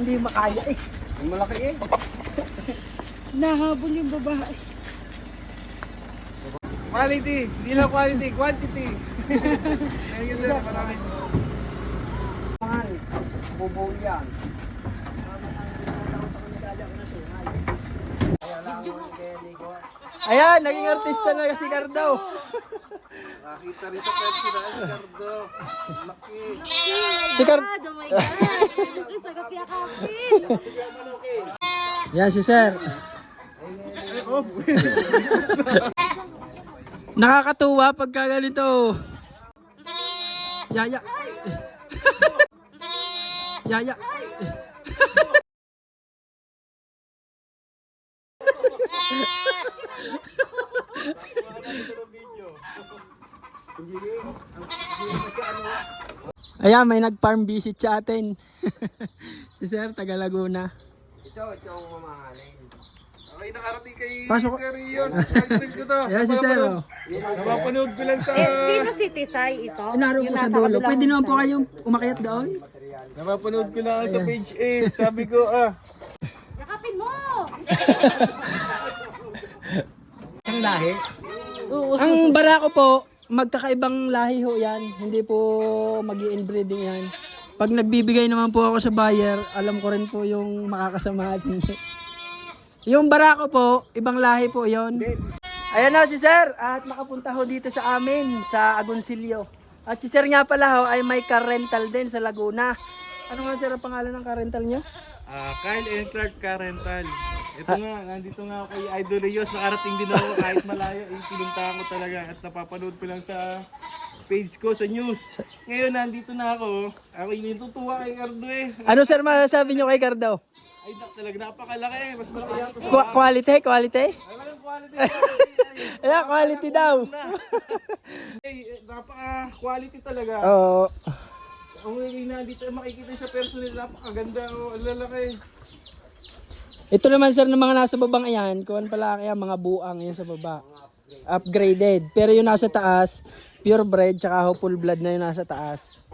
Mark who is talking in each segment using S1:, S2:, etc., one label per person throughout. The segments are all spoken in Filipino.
S1: Hindi makaya eh.
S2: Ang malaki eh.
S1: Nahabol yung babae.
S2: Quality, hindi lang quality, quantity. Thank you sir, maraming.
S1: Bubo yan. Ayan, naging artista na si Cardo.
S2: Nakita rin sa pwede na si Cardo. Laki.
S1: Si Cardo.
S3: Oh my God! Sa gapi-akapin!
S1: Yan si Sir. Nakakatuwa pagka ganito. Yaya. Yaya. Ayan, may nag-farm visit sa atin. Si Sir, taga Laguna.
S2: Ito ang mamahalin. Okay, nakarating kay
S1: Pasok.
S2: Sir Rios. Nagtag ko to.
S1: Ayan si Sir. Oh.
S2: Napapanood ko lang sa...
S3: Sino si Tisay ito?
S1: Naroon po sa
S3: nasa
S1: dulo.
S3: kabilang
S1: Pwede naman po
S3: side.
S1: kayong umakyat doon.
S2: Napapanood ko lang sa page 8. Sabi ko,
S3: Yakapin mo!
S1: Ang lahi.
S3: Oo.
S1: Ang barako po, magkakaibang lahi ho yan. Hindi po mag-i-inbreeding yan. Pag nagbibigay naman po ako sa buyer, alam ko rin po yung makakasama at hindi. Yung barako po, ibang lahi po yon. Ayan na si Sir at nakapunta ho dito sa amin sa Agoncillo. At si Sir nga pala ho ay may car rental din sa Laguna. Ano nga Sir ang pangalan ng car rental niya?
S2: Kyle and Clark Car Rental. Ito nga, nandito nga ako kay Idol Rios. Nakarating din ako kahit malayo. Pinuntahan ko talaga at napapanood ko lang sa page ko sa news. Ngayon, nandito na ako. Ako yung natutuwa kay Cardo eh.
S1: Ano Sir masasabi niyo kay Cardo?
S2: Ay, talaga napakalaki. Mas malaki yata sa...
S1: Quality? Quality?
S2: Ay, walang quality.
S1: Ayan, quality daw.
S2: Ay, napaka-quality talaga.
S1: Oo.
S2: Ang nandito makikita sa personal, napakaganda. Ang lalaki.
S1: Ito naman Sir ng mga nasa babang ayan, kuwan pala kaya mga buang yan sa baba. Upgraded. Pero yung nasa taas, purebred tsaka ho full blood na yung nasa taas.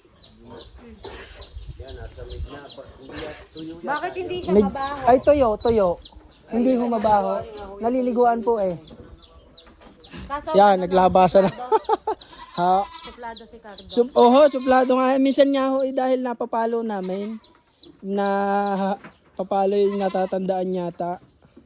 S3: Bakit hindi siya
S1: Med-
S3: mabaho?
S1: Ay, toyo. Hindi ho mabaho. Naliliguan po eh.
S3: Kaso,
S1: Yan, naglabasan na. Ha?
S3: suplado si Cardo.
S1: Suplado nga. Minsan nga ho, dahil napapalo namin, na papalo yung natatandaan yata.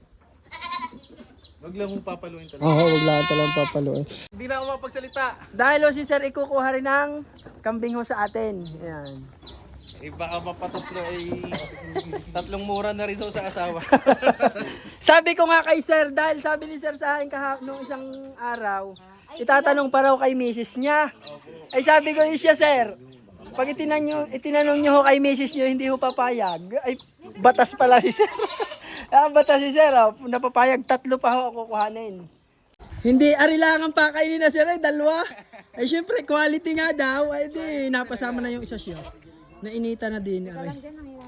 S2: Wag lang mong papaluin talaga.
S1: Wag lang talagang papaluin.
S2: Hindi na ako mapagsalita.
S1: Dahil ho si Sir ikukuha rin ng kambing ho sa atin. Ayan.
S2: Eh baka mapatutlo ay tatlong mura na rin sa asawa.
S1: Sabi ko nga kay Sir, dahil sabi ni Sir sa akin nung isang araw, itatanong pa raw kay misis niya. Ay sabi ko yun siya Sir, pag itinanong nyo ho kay misis nyo, hindi ho papayag. Ay, batas pala si Sir. Batas si Sir, napapayag, 3 pa ho ako kukuhanin. Hindi, arilangan pa kainin na Sir, ay 2. Ay syempre, quality nga daw, ay di, napasama na yung isa siya. Nainita na din. Aray.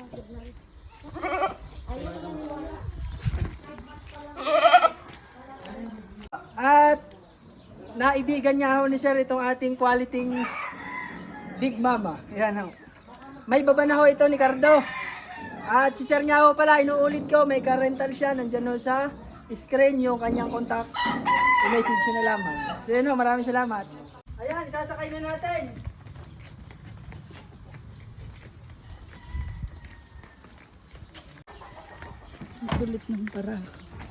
S1: At naibigan niya ho ni Sir itong ating quality Big Mama. Yan ho. May baba na ho ito ni Cardo. At si Sir nga ho pala, inuulit ko, may car rental siya. Nandyan ho sa screen yung kanyang contact. I-message nyo na lamang. So yun ho, maraming salamat. Ayan, isasakay na natin. Ang kulit ng barako.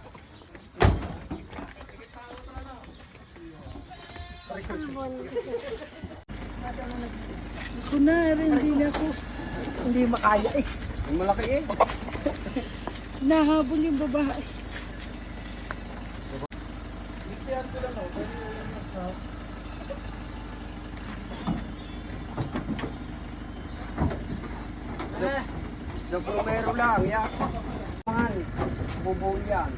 S1: Ako na rin, hindi na ako. Hindi makaya eh.
S2: Ang malaki eh.
S1: Nahabol yung babae.
S2: Mixihan ko lang ako.
S1: The Bromero lang, ya. Bubo yan.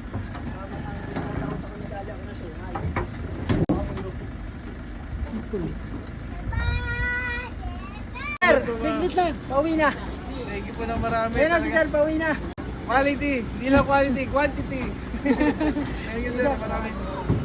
S1: Sir, liglit lang. Pauwi na.
S2: Thank you po na marami.
S1: Ayan na si Sir, pauwi na.
S2: Quality, hindi lang quality, quantity. Thank you sir, marami.